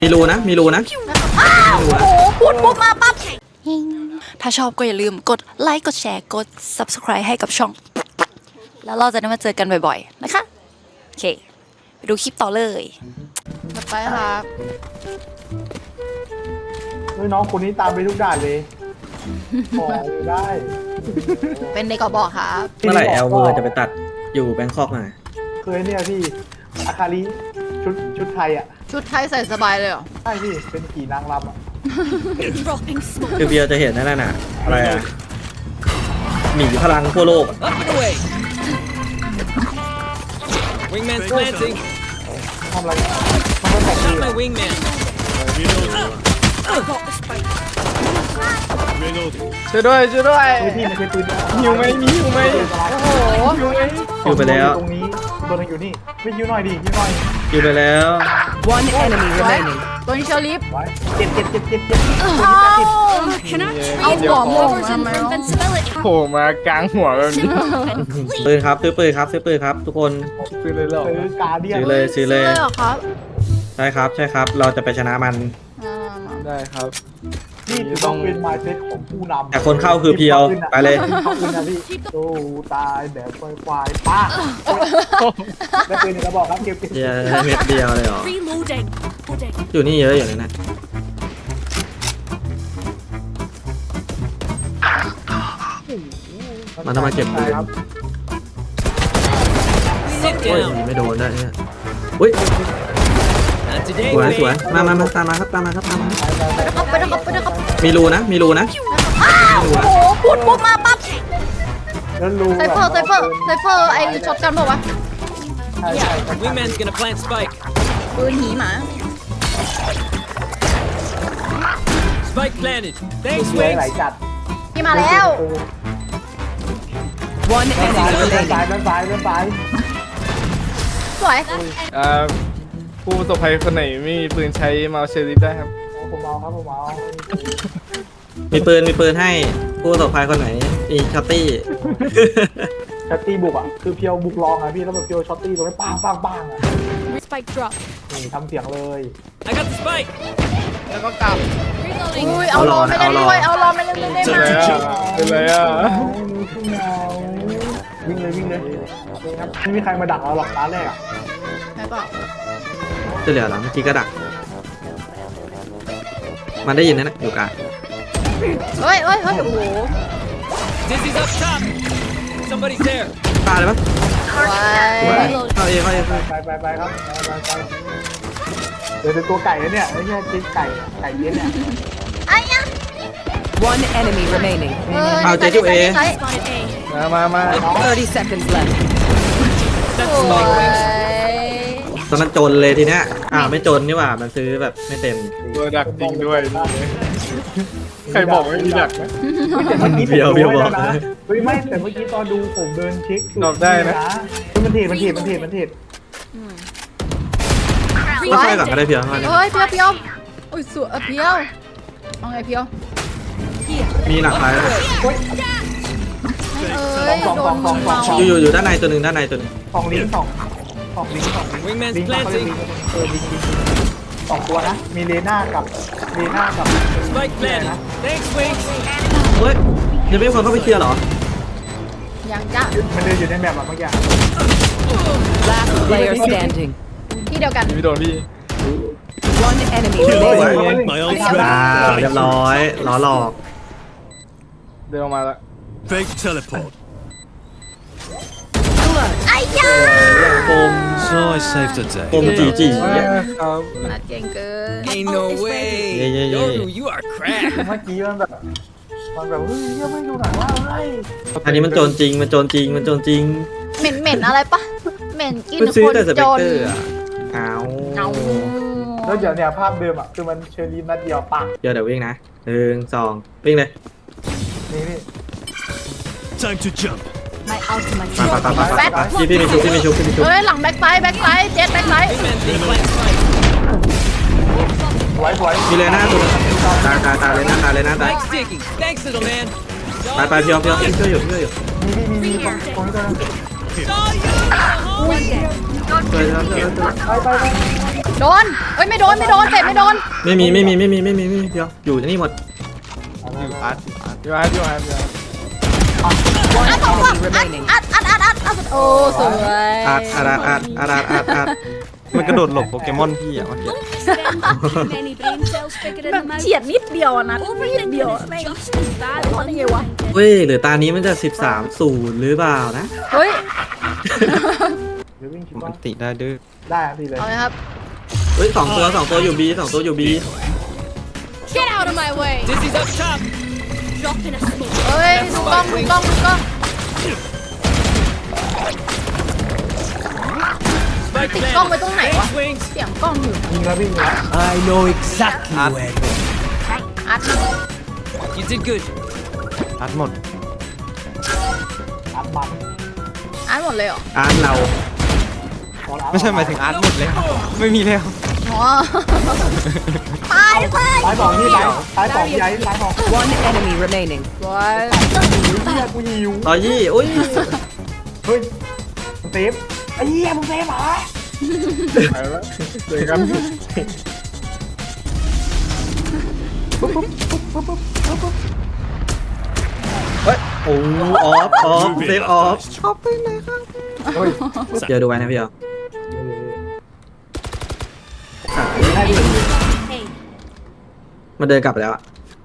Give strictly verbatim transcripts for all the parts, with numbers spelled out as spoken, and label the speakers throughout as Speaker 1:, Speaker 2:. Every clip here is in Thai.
Speaker 1: มีรูนะมีรูนะ
Speaker 2: อ้าวโอ้โหพูดปุ๊บมาปั๊บถ้าชอบก็อย่าลืมกดไลค์กดแชร์กด ซับสไครบ์ ให้กับช่อง แล้วเราจะได้มาเจอกันบ่อยๆนะคะโอเคไปดูคลิปต่อเลยไปครับ
Speaker 3: เฮ้ยน้องคนนี้ตามไปทุกด่านเลยขอได้
Speaker 2: เป็นในกบอกครับ
Speaker 1: เมื่อไหร่แอลเวอร์จะไปตัดอยู่แบงคอกมา
Speaker 3: เคยเนี่ยพี่อาคาริชุดชุดไทยอ่ะ
Speaker 2: ชุดไทยใส่สบายเลยเหรอ
Speaker 3: ใช่พี่เป็นผีนางรำอ่ะ
Speaker 1: คือเบียร์จะเห็นนั่นน่ะอะไรอ่ะหมีพลังทั่วโลก
Speaker 4: Up and away. Wingman's planting.
Speaker 3: ทำอะไรมันก็แต่ง
Speaker 4: Not my wingman.
Speaker 5: ช่วยด้วยช่วยด้วย
Speaker 3: เฮ้ยพี่มันใช้ปืน
Speaker 5: หิวไหมมีหิวไหม
Speaker 3: โอ้โห
Speaker 5: หิวไหม
Speaker 1: อยู่ไปแล้ว
Speaker 3: ตรงนี้ตัวนึงอยู่นี่ไม่ยิ้วหน่อยดิยิ้วหน่อย
Speaker 1: อยู่ไปแล้ว
Speaker 6: One enemy remaining.
Speaker 2: ตัวนี้เชอร์ลิฟ
Speaker 3: ไว้เจ็บเจ็บเจ็บเจ็บเจ็บ
Speaker 2: เอา
Speaker 6: เอา
Speaker 2: หัวโมงทำไมวะ
Speaker 5: โผล่มากลางหัวแบบนี้
Speaker 1: ปืนครับซื้อปืนครับซื้อปืนครับ ทุกคน
Speaker 5: ซื้อเลยเหรอ
Speaker 3: ซื้อกาเดียน
Speaker 1: ซื้อเลยซื้อเลย
Speaker 2: เหรอครับ
Speaker 1: ใช่ครับใช่ครับ เราจะไปชนะมัน
Speaker 2: อ่า
Speaker 5: ได้ครับ
Speaker 3: นี่ต้องเป็นไมซ์เซ็ตของผู้นำ
Speaker 1: แต่คนเข้าคือเพียวไปเลย
Speaker 3: เข้าปืนนะพี่โอ้ตายแบบควายๆป้าแล้วปืนกระบอกครับเก็บเก็บ
Speaker 1: เดียวเม็ดเดียวเลยเหรออยู่นี่เยอะอยู่เลยนะมันต้องมาเก็บปืน
Speaker 3: ครับ
Speaker 4: Sit
Speaker 1: โอ้ย
Speaker 4: down.
Speaker 1: ไม่โดนได้เนี่ยอุ้ย
Speaker 4: Not today,
Speaker 1: สวยสวย
Speaker 4: babe.
Speaker 1: มามามาตามมาครับตามมาครับตามมา
Speaker 2: ไปนะครับไปนะครับไปนะครับ
Speaker 1: มีรูนะมีรูนะ
Speaker 2: อ้าวโอ้โหพูดปุ๊บมาปั๊บ
Speaker 3: แล้วรู้
Speaker 2: ไซเฟอร์ไซเฟอร์ไซเฟอร์ไอช็อตกันบอกว่า
Speaker 3: ใช่ใช่
Speaker 4: Wingman's gonna plant spike.
Speaker 2: ปืนหีหมา
Speaker 4: Spike planted. Thanks,
Speaker 3: สวยไหล
Speaker 4: Wings.
Speaker 3: จัด
Speaker 2: พี่มาแล้ว
Speaker 6: One
Speaker 3: ด้านซ้าย
Speaker 6: enemy
Speaker 3: ด้านซ้าย
Speaker 6: remaining.
Speaker 3: ด้านซ้ายด้านซ้าย
Speaker 2: สวย
Speaker 5: อ่าผู้ประสบภัยคนไหนไม่มีปืนใช้มาเอาเชอริฟได้ครับ
Speaker 3: ผมเอาครับผมเอา
Speaker 1: มีปืนมีปืนให้ผู้ประสบภัยคนไหนมีช็อตตี้
Speaker 3: ช็อตตี้บุกอ่ะคือเพียวบุกลองอ่ะพี่แล้วแบบเพียวช็อตตี้ตรงนี้ปังปังปังอ่ะ
Speaker 2: Spike drop
Speaker 3: นี่ทำเสียงเลย
Speaker 4: I got the spike.
Speaker 5: แล้วก็กลับ
Speaker 2: อุ้ยเอารอไม่ได้ด้วยเอารอไม่ได้ด้วยได้ไหม
Speaker 5: เป็นไรอ่ะเป็นไรอ่ะ
Speaker 3: วิ่งเลยวิ่งเลยครับไม่มีใครมาดักเราหรอกตาแรกอ่ะ
Speaker 2: ไม่เปล่า
Speaker 1: จะเหลือหลังเมื่อกี้ก็ดัก มันได้ยินนะนะอยู่กลาง
Speaker 2: เฮ้ยเฮ้ยเฮ้ยโอ้โห
Speaker 4: Dizzy's up top. Somebody's there.
Speaker 1: ตายเลยปะ
Speaker 2: ไว้
Speaker 1: เข้าเองเข้าเองเข้าเอง
Speaker 3: ไปไปไปครับไปไปไปเดี๋ยวเป็นตัวไก่แล้วเนี่ยไอ้เนี่ยจิ๊กไก่ไก่เย็นเนี่ย
Speaker 2: ไอ้ยะ
Speaker 6: One enemy remaining.
Speaker 2: เออ
Speaker 1: เอาเจจูเอ
Speaker 2: ใช้
Speaker 5: มามามา
Speaker 6: Thirty seconds left.
Speaker 4: That's
Speaker 2: โอ้
Speaker 4: spike, Wings.
Speaker 2: ย
Speaker 1: ตอนนั้นจนเลยทีเนี้ยอ้าวไม่จนนี่หว่ามันซื้อแบบไม่เต็ม
Speaker 5: ตัวดักจริงด้วยใครบอกไม่มีดักนะ
Speaker 3: แต่เมื่อกี้ผม
Speaker 1: เพียวเพียวบอก
Speaker 3: นะเฮ้ยไม่แต่เมื่อกี้ตอนดูผมเดินเช็ค
Speaker 5: ตอบได้นะ
Speaker 3: เฮ้ยมันเทรดมันเทรดมันเทรดมันเทรด
Speaker 1: ก็ช่วยก่อนก็ได้เพียวมาเนี่ย
Speaker 2: เฮ้ยเพียวเพียวอุ้ยสวยเออเพียวเอาไงเพียว
Speaker 1: มีหนักหลายแล้ว
Speaker 2: เอ้ยโดนเมา
Speaker 1: อยู่อยู่อยู่ด้านในตัวหนึ่งด้านในตัวหนึ่ง
Speaker 3: สองลิงก์สองสองลิงก์สองลิงก์
Speaker 4: Wingman's
Speaker 3: ลิงก์เขาเรียก
Speaker 4: planting.
Speaker 3: ลิงก์เออลิงก์ลิงก์ลิงก์สองตัวนะมีเลน่ากับเลน่ากับ
Speaker 4: Spike planted. Thanks, Wings.
Speaker 1: เฮ้ยยังไม่มีคนเข้าไปเคลียร์เหรอ
Speaker 2: ยังจ้ะ
Speaker 3: มันเดินอยู่ในแบบแบบเมื่อกี้
Speaker 6: Last player standing.
Speaker 2: ที่เดียวกัน
Speaker 5: พี่โดนพี่
Speaker 6: One enemy
Speaker 1: สวย
Speaker 6: remaining.
Speaker 1: อ้าวเรียบร้อยล้อหลอก
Speaker 5: เดินออกมาละ
Speaker 7: Fake teleport.
Speaker 2: ไอ้ยา
Speaker 1: โกม
Speaker 7: So I saved the
Speaker 1: โก
Speaker 7: day.
Speaker 1: มจีจี
Speaker 5: ครับ
Speaker 2: นัดเก่งเกิน
Speaker 4: Ain't no way.
Speaker 1: Yeah, yeah, yeah.
Speaker 4: Yoru, you are cracked.
Speaker 3: เมื่อกี้มันแบบมันแบบเฮ้ยเหี้ยไม่ดูหนังว่าเฮ้ย
Speaker 1: อันนี้มันโจรจริงมันโจรจริงมันโจรจริง
Speaker 2: เหม็นเหม็นอะไรปะเหม็นกิน
Speaker 1: มันซื้อ
Speaker 2: คน
Speaker 1: แต่สเป
Speaker 2: จ
Speaker 1: ก
Speaker 2: น
Speaker 1: เตอร์อ่ะอ้าว
Speaker 2: เอา
Speaker 3: แล้วเดี๋ยวเนี่ยภาพเดิมอ่ะคือมันเชอร์ลีนนัดเดียวปาก
Speaker 1: เดี๋ยวเดี๋ยววิ่งนะหนึ่งสองวิ่งเลย
Speaker 3: นี่นี่
Speaker 7: Time to jump.
Speaker 1: ไปไปไปไปไปพี่พี่มีชุบพี่มีชุบพี่มีชุบ
Speaker 2: เฮ้ยหลังแบ็คไซด์แบ็คไซด์เจ็ดแบ็คไซด์
Speaker 4: Wingman's gonna plant spike.
Speaker 3: สวยสวย
Speaker 1: มีเลยหน้าตัวตายตายตายเลยหน้าตายเลยหน้าตาย
Speaker 4: Spike's digging. Thanks, little man.
Speaker 1: ไปไปเพียวเพียวช่วยอยู่ช่วยอยู่
Speaker 3: มีมีมีมีตรงตรงนี้ตัวนึง
Speaker 4: Saw you.
Speaker 1: ช่วยช่วยช่วยช่วย
Speaker 3: ไปไปไป
Speaker 2: โดนเอ้ยไม่โดนไม่โดนเตะไม่โดน
Speaker 1: ไม่มีไม่มีไม่มีไม่มีไม่มีเดียวอยู่ที่นี่หมด
Speaker 5: อยู่อาร์ตอยู่อาร์ตอยู่อาร์ตอยู่อาร์ต
Speaker 6: One
Speaker 2: อัดสองตัว
Speaker 6: enemy
Speaker 2: อัด
Speaker 6: remaining.
Speaker 2: อัดอัดอัดอัดอัดโอ้สวย
Speaker 1: อัดอัดอัดอัดอัดอัดอัด
Speaker 5: มันกระโดดหลบโปเกมอนพี่อ่ะเมื่อกี้
Speaker 2: แบบเฉียดนิดเดียวอะนะนิดเดียวอะแม่งรอดได้ไงวะ
Speaker 1: เว้ยหรือตานี้มันจะสิบสามศูนย์หรือเปล่านะ
Speaker 2: เฮ้ย
Speaker 3: เดี๋ยววิ่งชิบ
Speaker 5: มั
Speaker 3: ว่าน
Speaker 5: ติได้ดื้อ
Speaker 3: ได้ครับพี่เลย
Speaker 2: เอาเลยครับ
Speaker 1: เฮ้ยสองตัวสองตัวอยู่บีสองตัวอยู่บี
Speaker 2: Get out of my way
Speaker 4: Dizzy's up top.
Speaker 2: เฮ้ยดูกล้องดูกล้องดูกล้อง
Speaker 4: Spike
Speaker 2: ติดกล้อง
Speaker 4: planted.
Speaker 2: ไว้ตรงไหนวะ
Speaker 4: Wings.
Speaker 2: เสียงกล้องอยู่
Speaker 3: ยิงแล้ววิ่งแล้ว
Speaker 4: I know exactly where.
Speaker 2: อัด
Speaker 4: You did good.
Speaker 5: อาร์ตหมด
Speaker 3: อัดมัน
Speaker 2: อัดหมดเลยเหรอ
Speaker 1: อาร์ตเรา
Speaker 3: พอแล้ว
Speaker 5: ไม่ใช่หมายถึงอาร์ตหมดเลยครับไม่มีแล้ว
Speaker 2: อ๋อตายตาย
Speaker 3: ตายสองที่ตายตายสองยัยตายสอง
Speaker 6: One enemy remaining.
Speaker 2: สวย
Speaker 3: เฮียกูหิว
Speaker 1: ต่อยี่อุ้ย
Speaker 3: เฮ้ยมึงเซฟไอ้เหี้ยมึงเซฟเหรอ
Speaker 5: ไปแล้วเจอกัน
Speaker 1: เฮ้ยโอ้ออฟออฟเซฟออฟ
Speaker 3: เฮ้ย
Speaker 1: เดี๋ยวดูไว้นะพี่เอาสัตว์
Speaker 3: ได้ดิ
Speaker 1: มันเดินกลับไปแล้วอะ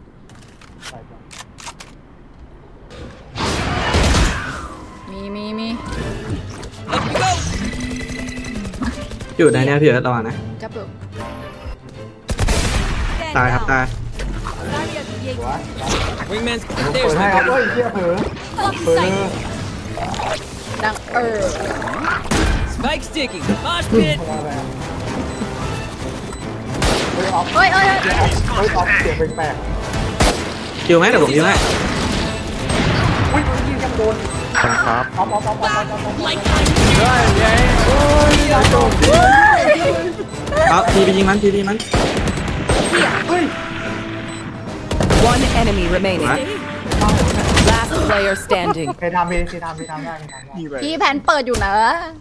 Speaker 2: มีมีมี
Speaker 4: Up we go.
Speaker 1: อยู่ในเนี้ยพี่เอิร์ธระวังนะ
Speaker 2: จับอยู่
Speaker 1: ตายครับตาย
Speaker 4: Wingman's
Speaker 3: เปิ
Speaker 4: there's
Speaker 3: ดให้
Speaker 4: my
Speaker 3: ครับ
Speaker 4: girl.
Speaker 3: เฮ้ยเฮียเผลอเผลอ
Speaker 2: ดังเออ
Speaker 4: Spike sticking. Mosh pit.
Speaker 3: เฮ้ยออฟ
Speaker 2: เฮ้ยเฮ้ยเฮ้ย
Speaker 3: เฮ้ยออฟเสียงแปลก
Speaker 1: คิวไหมเดี๋ยวผมคิวให้
Speaker 3: ๆอุ้ยยิงกันโดน
Speaker 5: ครับ
Speaker 3: ออฟออฟออฟออฟออฟออฟ
Speaker 1: เอาทีไปยิงมันทีไปยิงมัน
Speaker 3: เฮ้ย
Speaker 6: One enemy remaining. Last player standing.
Speaker 3: เคยทำพี่เคยทำพี่ทำได้เคยทำได้
Speaker 2: พี่แผนเปิดอยู่นะ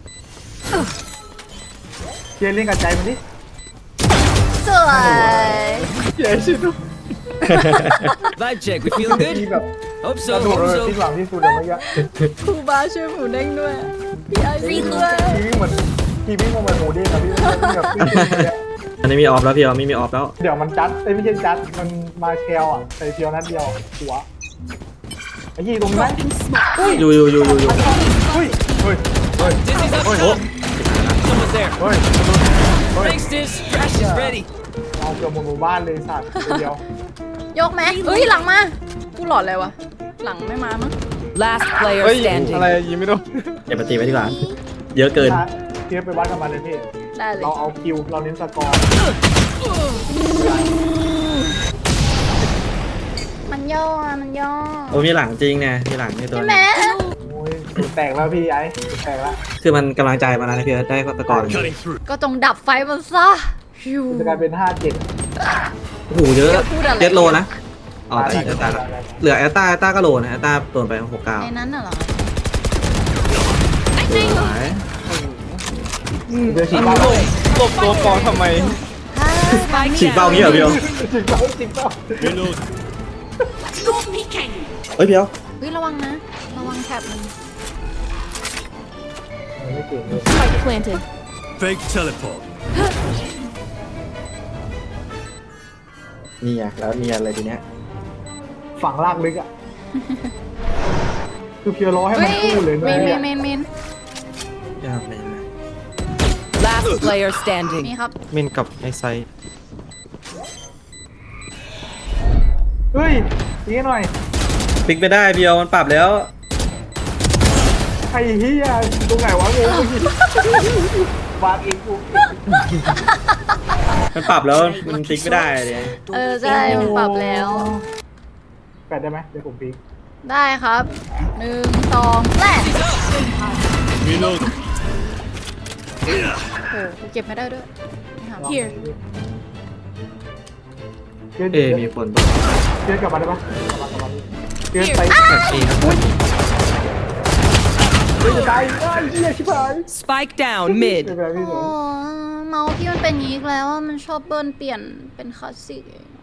Speaker 3: เชียร์เล่นกับใจมันดิ
Speaker 2: สวย
Speaker 5: เย้ชิดู
Speaker 4: Vibe check. We feeling
Speaker 3: ที่
Speaker 4: good?
Speaker 3: แบบ
Speaker 4: Hope
Speaker 3: กระ
Speaker 4: so.
Speaker 3: โดด
Speaker 4: Hope
Speaker 3: เลย
Speaker 4: so.
Speaker 3: ที่หลังที่สุดเลยเมื่อกี้
Speaker 2: ครูบาช่วยหมูเด้งด้วย พี่ไอซีด้วย
Speaker 3: ทีวิ่งเหมือนทีวิ่งเหมือนหมูเด้งอะพี่วิ่งแบบวิ่งอย่างเงี้ย
Speaker 1: อันนี้มีออฟแล้วพี่เอาไม่มีออฟแล้ว
Speaker 3: เดี๋ยวมันจัดเอ้ยไม่ใช่จัดมันมาเชลอ่ะใส่เพียวนัดเดียวหัวไอ้ยี่ตรงนี้ไหม
Speaker 1: อยู่อยู่อยู่อยู่อยู่
Speaker 3: เฮ้ยเฮ้ยเฮ้ย
Speaker 4: Dizzy's up
Speaker 1: โอ้
Speaker 4: top. Someone's there.
Speaker 3: เฮ้ย
Speaker 4: Thanks, Diz. Crash is ready.
Speaker 3: เอาเกือบหมดหมู่บ้านเลยสัตว์เดียวย
Speaker 2: กไหมเฮ้ยหลังมากูหลอดเลยวะหลังไม่มามั้ง
Speaker 6: Last player
Speaker 5: เฮ้ย
Speaker 6: standing.
Speaker 5: อะไรยิงไม่โดน
Speaker 1: เก็บปฏิไว้ดีกว่าเยอะเกิน
Speaker 3: เทียบไปวัดกันมาเลยพี่
Speaker 2: ได้เลย
Speaker 3: เราเอาคิวเราเน้นสกอร์
Speaker 2: มันย่ออะมันย่อ
Speaker 1: โอ้มีหลังจริงไงมีหลังในตัว
Speaker 2: ใช่ไหม
Speaker 1: นี้
Speaker 3: โอ้ยสูตรแตกแล้วพี่ไอ้สูตรแตกแล้ว
Speaker 1: คือมันกำลังใจมาแล้วนะพี่เอิร์ธได้ตะกอน
Speaker 7: Cutting through.
Speaker 2: ก็จงดับไฟมันซะฮิว
Speaker 3: จะกลายเป็นห้าเจ็ด
Speaker 1: โอ้โหเยอะ
Speaker 2: เดี๋ยวพูดอะไร
Speaker 1: เจ็ดโลนะอ๋อแต่แอตตาละเหลือแอตตาแอตตาก็โลนะแอตตาโดนไปหกเก้า
Speaker 2: ในนั้นน่ะเหรอ
Speaker 1: หาย
Speaker 3: เดี๋ยวฉีกเป้า
Speaker 5: หลบตัวกองทำไม
Speaker 6: Spike
Speaker 1: ฉีกเป้า
Speaker 6: down.
Speaker 1: งี้เหรอพี่เอิร์ธ
Speaker 3: ฉีกเป้าฉีกเป้า
Speaker 7: Reload.
Speaker 1: เฮ้ยพี่เอิร์ธ
Speaker 2: เฮ้ยระวังนะ ระวังแท็บมัน
Speaker 3: ไม่เก่งเลย
Speaker 2: Spike planted
Speaker 7: Fake teleport.
Speaker 1: นี่ไงแล้วเนียนเลยทีเนี้ย
Speaker 3: ฝังลากลึกอ่ะคือเพียวร้อให้
Speaker 2: เฮ้
Speaker 3: มัน
Speaker 2: ย
Speaker 3: คู่เลย
Speaker 2: เมนเม
Speaker 3: เนี่ย
Speaker 2: นเมนเมน
Speaker 1: ยากเลยนะ
Speaker 6: Last player
Speaker 2: นี่
Speaker 6: standing.
Speaker 2: ครับ
Speaker 5: มินกับไอไซ
Speaker 3: เฮ้ยตีหน่อย
Speaker 1: พลิกไปได้พี่เอิร์ธมันปรับแล้ว
Speaker 3: ไอ้เฮียตรงไหนวะงงไปหิวางเองกู
Speaker 1: มันปรับแล้วมันพลิกไม่ได้เลย
Speaker 2: เออใช่มันปรับแล้ว
Speaker 3: แปดได้ไหมเดี๋ยวผมพลิก
Speaker 2: ได้ครับหนึ่งสองแรก
Speaker 7: Reload.
Speaker 2: โอ้โหกูเก็บไม่ได้ด้วยไม่หา Here
Speaker 3: เกิน
Speaker 1: เอมีคนปะ
Speaker 3: เกินกลับมาได้ปะกลับมากลับมาดิเกินไป
Speaker 5: แบบนี้ครับ
Speaker 3: เกินจะตายไอ้เหี้ยชิบหาย
Speaker 6: Spike down mid.
Speaker 3: เกินไปพี่ส
Speaker 2: โอ้
Speaker 3: อง
Speaker 2: มามาส์พี่มันเป็นอย่างนี้อีกแล้วอะมันชอบเบิ้ลเปลี่ยนเป็นคลาสสิก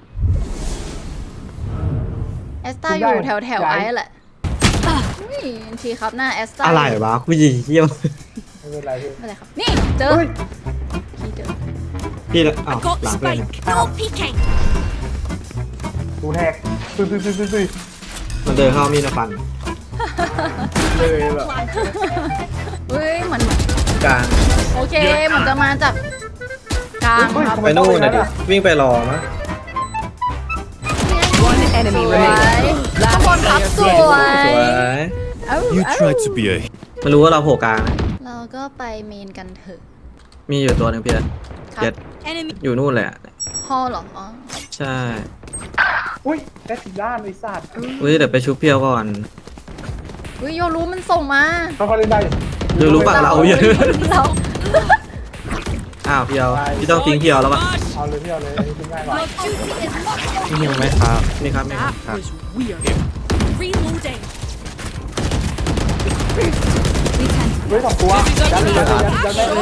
Speaker 2: แอสตาอยู่แถวแถวๆไอ้แหละอุ้ยทีครับหน้าแอสตา
Speaker 1: อะไรวะผู้หญิงเยี่ยม
Speaker 3: ไม่เป็นไรพี่
Speaker 2: ไม่เป็นไรครับ นี่เจอ
Speaker 3: เฮ้ย
Speaker 2: พี่เจอ
Speaker 1: พี่ละอ้าวหลังเลย
Speaker 3: ดูแทกตุ้ยตุ้ยตุ้ยตุ้ยตุ้ย
Speaker 1: มันเดินเข้ามีดมาฟัน
Speaker 3: เลยแบบ
Speaker 2: เฮ้ยเหมือน
Speaker 1: กลาง
Speaker 2: โอเคเหมือนจะมาจากกลางครับ
Speaker 1: ไปนู่นนะดิวิ่งไปรอมั้ง
Speaker 6: One enemy
Speaker 2: สวย
Speaker 6: remaining.
Speaker 2: ทุกคนครับสวย
Speaker 1: สวย
Speaker 2: เอ้า
Speaker 7: You
Speaker 2: เอ้า
Speaker 7: tried to be a
Speaker 1: มันรู้ว่าเราโผล่กลางนะ
Speaker 2: เราก็ไปเมนกันเถอะ
Speaker 1: มีอยู่ตัวหนึ่งพี่เอ็ด
Speaker 2: ครับ
Speaker 1: เจ็ดอยู่นู่นเลยอะ
Speaker 2: ฮอลเหรออ๋อ
Speaker 1: ใช่
Speaker 3: อุ้ยแค่สีด้านไอ้สัตว์
Speaker 1: อุ้ยเดี๋ยวไปชุบเพียวก่อน
Speaker 2: เฮ้ยโยรู้มันส่งมา
Speaker 3: เขาเขาเล่นได้
Speaker 1: เดี๋ยวรู้ปะเราเยอะ
Speaker 2: เรา
Speaker 1: อ้าวเพียวพี่ต้องทิ้งเพียวแล้วปะ
Speaker 3: เอาเลยพี่เอาเลยอันนี้ทิ้งง่ายกว่า
Speaker 1: ทิ้งยังไหมครับนี่ครับนี่ครับครับ
Speaker 3: เฮ้ยสองตัวยัดเลยยัดยัดยัดได้เลย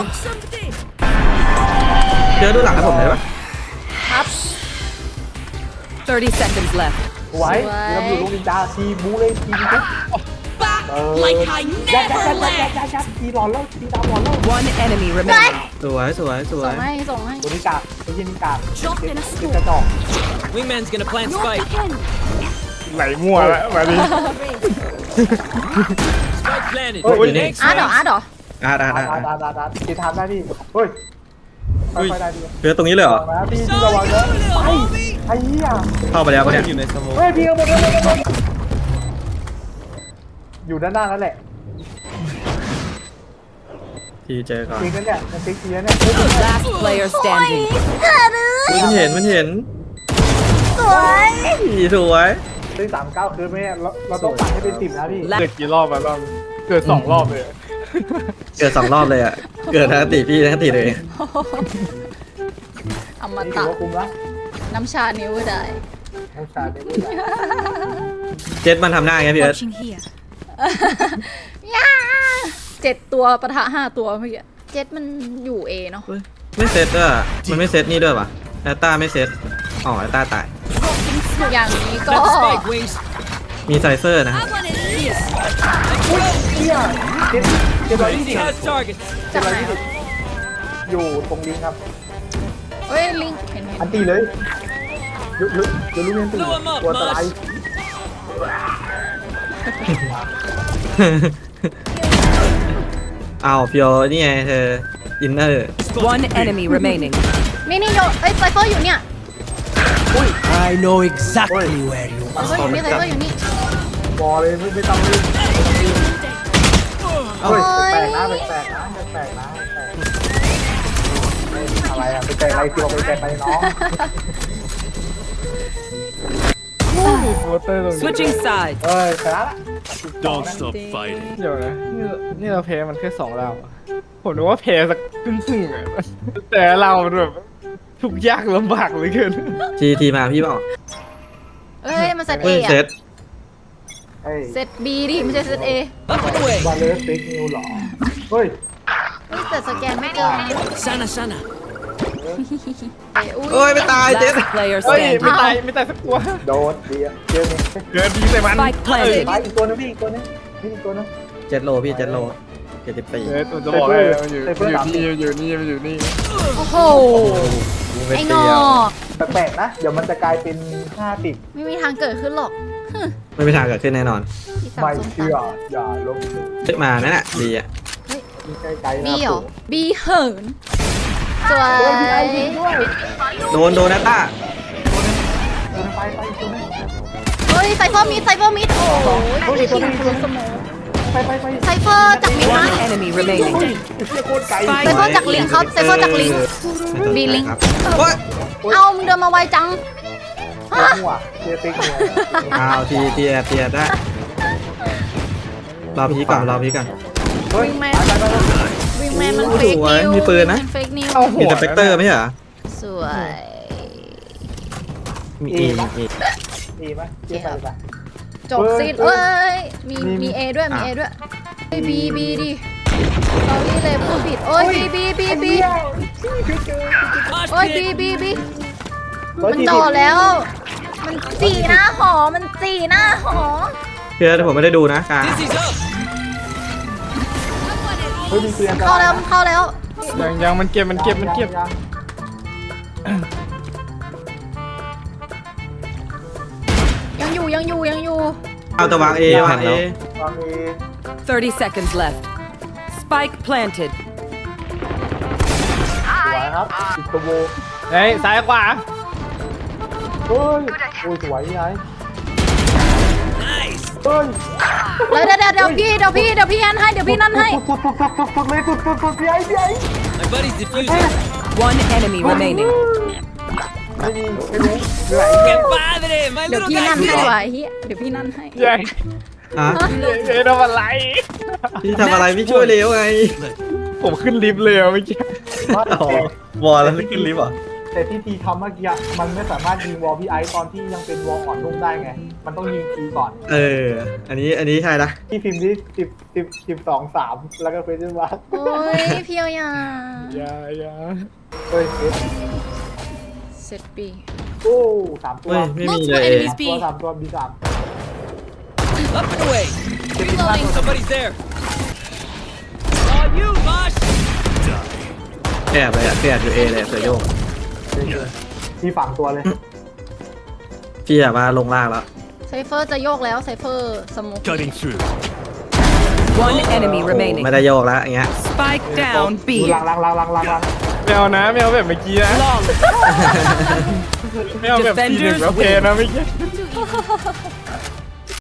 Speaker 1: เพียวดูหลังให้ผมเลยปะ
Speaker 2: ครับ
Speaker 6: thirty seconds left.
Speaker 3: ไว้เราอยู่ลูกนินจาทีบูเลยทีนี้เออยัดยัดยัดยัดยัดยัดยัดทีหลอนแล้วทีดาวหลอนแล้ว
Speaker 6: One enemy remaining.
Speaker 1: สวยสวยสว
Speaker 2: ส่
Speaker 1: ย
Speaker 2: งให้ส่งให้
Speaker 3: ตัวนี้กาดไอ้ยี่นี่กาดติดกระจอก
Speaker 4: Wingman's gonna plant spike.
Speaker 5: ไหลมั่วแล้วแบบนี้
Speaker 4: Spike planted.
Speaker 3: Oh,
Speaker 1: you
Speaker 4: Thanks,
Speaker 2: อาร์ตเหรอ
Speaker 4: man.
Speaker 2: อาร์ตเหรอ
Speaker 1: อ่าได้
Speaker 3: ดา
Speaker 1: ได้
Speaker 3: ดาดาดาตีทานได้พี่เฮ้ยค่อยๆได้พี่
Speaker 1: เพียวตรงนี้เลยเหรอ
Speaker 3: ระวังนะพี่พี่ระวังนะไปไอ้เหี้ย
Speaker 1: เข้าไปแล้วปะเนี่ย
Speaker 5: อยู่ในสโมอง
Speaker 3: เฮ้ยพี่เอาหมดเลยหมดเลยอยู่ด้านหน้านั่นแหละ
Speaker 1: ทีเจอก่อน
Speaker 3: จริงกันเนี่ยมันติ๊กเทียเนี่ย
Speaker 6: Last player standing.
Speaker 1: อุ๊ยมันเห็นมันเห็น
Speaker 2: สวย
Speaker 1: อีสวย
Speaker 3: ติ๊กสามเก้าคือไม่เราเราต้องปัดให้เป็นติ่มนะพี่
Speaker 5: เกิดกี่รอบมารอบเกิดสองรอบเลย
Speaker 1: เกิดสองรอบเลยอ่ะเกิดทั้งติพี่ทั้งติเลย
Speaker 2: อม
Speaker 3: นี่ถื
Speaker 2: ตะ
Speaker 3: อว่าคุ้มละ
Speaker 2: น้ำชานิ้วได้
Speaker 3: น้ำชาเนี่ยไม่ได้
Speaker 1: เจ็ดมันทำหน้าไงพี่เอิร์ธ
Speaker 2: ย่าเจ็ดตัวปะทะห้าตัวเมื่อกี้เจ็ดมันอยู่เอเนาะ
Speaker 1: เฮ้ยไม่เซตด้วยอะมันไม่เซตนี่ด้วยปะแอตตาไม่เซตอ๋อแอตตาตาย
Speaker 2: อย่างนี้ก็
Speaker 4: Plant spike, Wings.
Speaker 1: มีไซเซอร์นะครับ
Speaker 3: เฮียเจ็ดเจ็ดร้อยยี่
Speaker 4: Easy
Speaker 3: สิบ
Speaker 4: has targets.
Speaker 2: จากไหนวะ
Speaker 3: อยู่ตรงลิงครับ
Speaker 2: เฮ้ยลิงเห็นเห็น
Speaker 3: อันตีเลยเดี๋ยวเดี๋ยวลูกเรียนตี
Speaker 4: Blow 'em up,
Speaker 3: ตัวตราย
Speaker 1: อ้าวเพียวนี่ไงเธออินเนอร์
Speaker 6: One enemy remaining.
Speaker 2: นี่นี่โยเอ้ยไซเฟอร์อยู่เนี่ย
Speaker 7: I know exactly where you
Speaker 2: ไซเฟอร์อยู่นี่ไซเฟอร์อยู่นี่
Speaker 3: บอเลยไม่ไม่ต้องรีบเฮ้ยแปลกนะแปลกนะแปลกนะแปลกอะไรอะไปแปลกอะไรที่เราไปแปลกอะไรน้อง
Speaker 5: มีโฟเตอร์ตรงนี้
Speaker 6: Switching sides.
Speaker 3: เอ้ยชนะละ
Speaker 7: don't stop fighting.
Speaker 5: เดี๋ยวนะนี่นี่เราแพ้มันแค่สองราวอะผมนึกว่าแพ้สักครึ่งครึ่งๆอะแต่เรามันแบบทุกข์ยากลำบากเหลยเกิน
Speaker 1: ทีทีมาพี่เปล่า
Speaker 2: เอ้ยมันเซตเอ
Speaker 1: เฮ้ย
Speaker 2: อะ
Speaker 1: เซต
Speaker 3: เฮ้ย
Speaker 2: เซตบีดิไม่ใช่เซตเอ
Speaker 4: Up and away.
Speaker 3: บอลเลสติ๊กนิวหรอเฮ้ย
Speaker 2: เฮ้ยแต่สแกนไม่ได้
Speaker 4: Sana, sana.
Speaker 2: เอ้ยอุ้ย
Speaker 1: โอ้ยไม่ตายเจ็ด
Speaker 6: Last player
Speaker 5: เฮ้ย
Speaker 6: standing.
Speaker 5: ไม่ตายไม่ตายสักตัว
Speaker 3: โดนเดียวเจอเนี่ย
Speaker 5: เกินดีใส่มัน
Speaker 6: Spike planted.
Speaker 3: ไปอีกตัวนึงพี่อีกตัวนึงนี่อีกตัวนึง
Speaker 1: เจ็ดโลพี่เจ็ดโลเจ็ดสิบสี่
Speaker 5: เฮ้ยผมจะบอกให้มันอยู่มันอยู่นี่มันอยู่นี่มันอยู่นี่
Speaker 2: โอ้โห
Speaker 1: ไม่
Speaker 2: ไอ้ง
Speaker 1: เตี
Speaker 2: อ
Speaker 1: ยว
Speaker 2: ก
Speaker 3: แปลกๆนะ เดี๋ยวมันจะกลายเป็นห้าติด
Speaker 2: ไม่มีทางเกิดขึ้นหรอก
Speaker 1: ไม่มีทางเกิดขึ้นแน่นอน
Speaker 2: ที่สาม
Speaker 3: ไม่
Speaker 2: สอง
Speaker 3: เชื่อ
Speaker 2: สาม
Speaker 3: อย่าลบ
Speaker 1: เฮ้ยมานั่นแหละดีอ่ะ
Speaker 3: นี่ใกล้ๆนะ
Speaker 2: บีเหรอบีเหินสวย
Speaker 3: โดนพี่ไอ้ยิงด้วย
Speaker 1: โดนโดนแอตตา
Speaker 3: โดนไปไปอีกตัวนึง
Speaker 2: เฮ้ยไซเฟอร์มิดไซเฟอร์มิดโอ้โห
Speaker 3: เฮ้ย
Speaker 2: ไอ้
Speaker 3: ตัว
Speaker 2: คิ
Speaker 3: นี้
Speaker 2: ง
Speaker 3: ตัว
Speaker 2: คุ
Speaker 3: นี้
Speaker 2: ณสมอง
Speaker 3: ไปไปไป
Speaker 2: ไซเฟอร์จากมิดนะ
Speaker 6: One enemy remaining.
Speaker 3: เชี่ยโคตรไกล
Speaker 2: ไซเฟอร์จากลิงครับไซเฟอร์จากลิง บีลิง
Speaker 1: ครับโอ๊ย
Speaker 2: เอามึงเดินมาไวจัง
Speaker 3: โคตรมั่วเชี่ยติ๊กเนี่ย
Speaker 1: อ้าวทีทีแอบทีแอบได้รอพี่ก่อนรอพี่ก่อน
Speaker 3: เฮ้ย
Speaker 2: วิ่งแมน
Speaker 3: ไปไปไป
Speaker 2: วิงแมนมัน
Speaker 1: โอ้
Speaker 2: เฟ
Speaker 1: โห
Speaker 2: กนิว
Speaker 1: มีปืนนะ
Speaker 2: เฟกนิว
Speaker 5: เอาหั
Speaker 1: มี
Speaker 5: ว
Speaker 1: สเปกเตอร์ไม่ใช่เหรอ
Speaker 2: สวย
Speaker 1: มีเอมีเอ
Speaker 3: ดีไหมเชี่ยไปไป
Speaker 2: จบสิ้นเอ้ย มี
Speaker 3: มี
Speaker 2: มีเอด้วย มี
Speaker 1: อ่ะ
Speaker 2: เอด้วยเฮ้ยบีบีดิเรานี่เลยพูดผิด โอ้ยบีบีบีบี
Speaker 3: เชี่ย
Speaker 4: Mosh
Speaker 2: โอ้ย
Speaker 4: pit.
Speaker 2: บีบีบี
Speaker 3: ร้อย
Speaker 2: มัน
Speaker 3: สี่
Speaker 2: โด
Speaker 3: สิบ
Speaker 2: ดแล้ว มันจีหน้าหอ มันจีหน้าหอ
Speaker 1: เพื่อนผมไม่ได้ดูนะกลาง
Speaker 4: Dizzy's up.
Speaker 3: เฮ้ยมีเตือน
Speaker 2: เข้าแล้วมันเข้าแล้ว
Speaker 5: ยังยังมันเก็บมันเก็บมันเก็บ
Speaker 3: ยัง
Speaker 2: ยังอยู่ยังอยู่ยังอยู่
Speaker 1: เอาแต่วางเอวางเอ
Speaker 3: วางเอ
Speaker 6: thirty seconds left. Spike planted.
Speaker 3: สวยครับติดตัวโบ
Speaker 5: เฮ้ยซ้ายขวา
Speaker 3: เฮ้ยโอ้ยสวยพี่ไอ้
Speaker 4: Nice.
Speaker 3: เฮ้ย
Speaker 2: แล้วเดี๋ยวเดี๋ยวเดี๋ยวพี่เดี๋ยวพี่เดี๋ยวพี่นั่นให้เดี๋ยวพี่นั่นให้
Speaker 3: สุดสุดสุดสุดสุดเลยสุดสุดสุดพี่ไอ้พี่ไอ้
Speaker 4: My buddy's defusing.
Speaker 6: One enemy remaining.
Speaker 3: ไม่มีไม่รู้เหนื่อย
Speaker 4: Que padre, my
Speaker 2: เดี๋ยว
Speaker 4: little
Speaker 2: พี่นั่น
Speaker 4: guy.
Speaker 2: ให้ว่ะไอ้เฮียเดี๋ยวพี่นั่นให้
Speaker 5: ยัง
Speaker 1: ฮะ
Speaker 5: เฮ้ยทำอะไร
Speaker 1: พี่ทำอะไรพี่ช่วยเร็วไง
Speaker 5: ผมขึ้นลิฟต์เลยอะเมื่อกี้
Speaker 1: อ๋อวอลแล้วขึ้นลิฟต์เหรอ
Speaker 3: แต่ที่ทีทำเมื่อกี้อะมันไม่สามารถยิงวอลพี่ไอ้ตอนที่ยังเป็นวอลอ่อนนุ่มได้ไง มันต้องยิงทีก่อน
Speaker 1: เออ อันนี้อันนี้ใช่ละ
Speaker 3: ที่พิมพ์ที่สิบสิบสิบสองสามแล้วก็เฟซบุ๊ก
Speaker 2: โอ้ยเพียวอย่า
Speaker 5: อย่าอย่า
Speaker 3: เฮ้ยเฟซ
Speaker 2: เสร็จปี
Speaker 3: โอ้สามตัว
Speaker 1: เฮ้ยไม่มีเลย
Speaker 3: สามตัวสามตัวบีสาม
Speaker 4: Up and away. Somebody's there. Oh, you, Mosh.
Speaker 1: แอบเลยอ่ะแอบอยู่เอเลยเสือโยก
Speaker 3: ที่ฝังตัวเลย
Speaker 1: พี่แบบว่าลงล่างแล้ว
Speaker 2: ไซเฟอร์จะโยกแล้วไซเฟอร์สมุก
Speaker 4: Cutting through.
Speaker 6: One enemy remaining.
Speaker 1: ไม่ได้โยกแล้วอย่างเงี้ย
Speaker 6: Spike down
Speaker 3: ดู
Speaker 6: B.
Speaker 3: ลังลังลังลังลังลัง
Speaker 5: ไม่เอานะไม่เอาแบบเมื่อกี้นะ
Speaker 6: Long.
Speaker 5: ไม่เอาแบบทีหนึ่งแล้วเพนะเมื่อกี้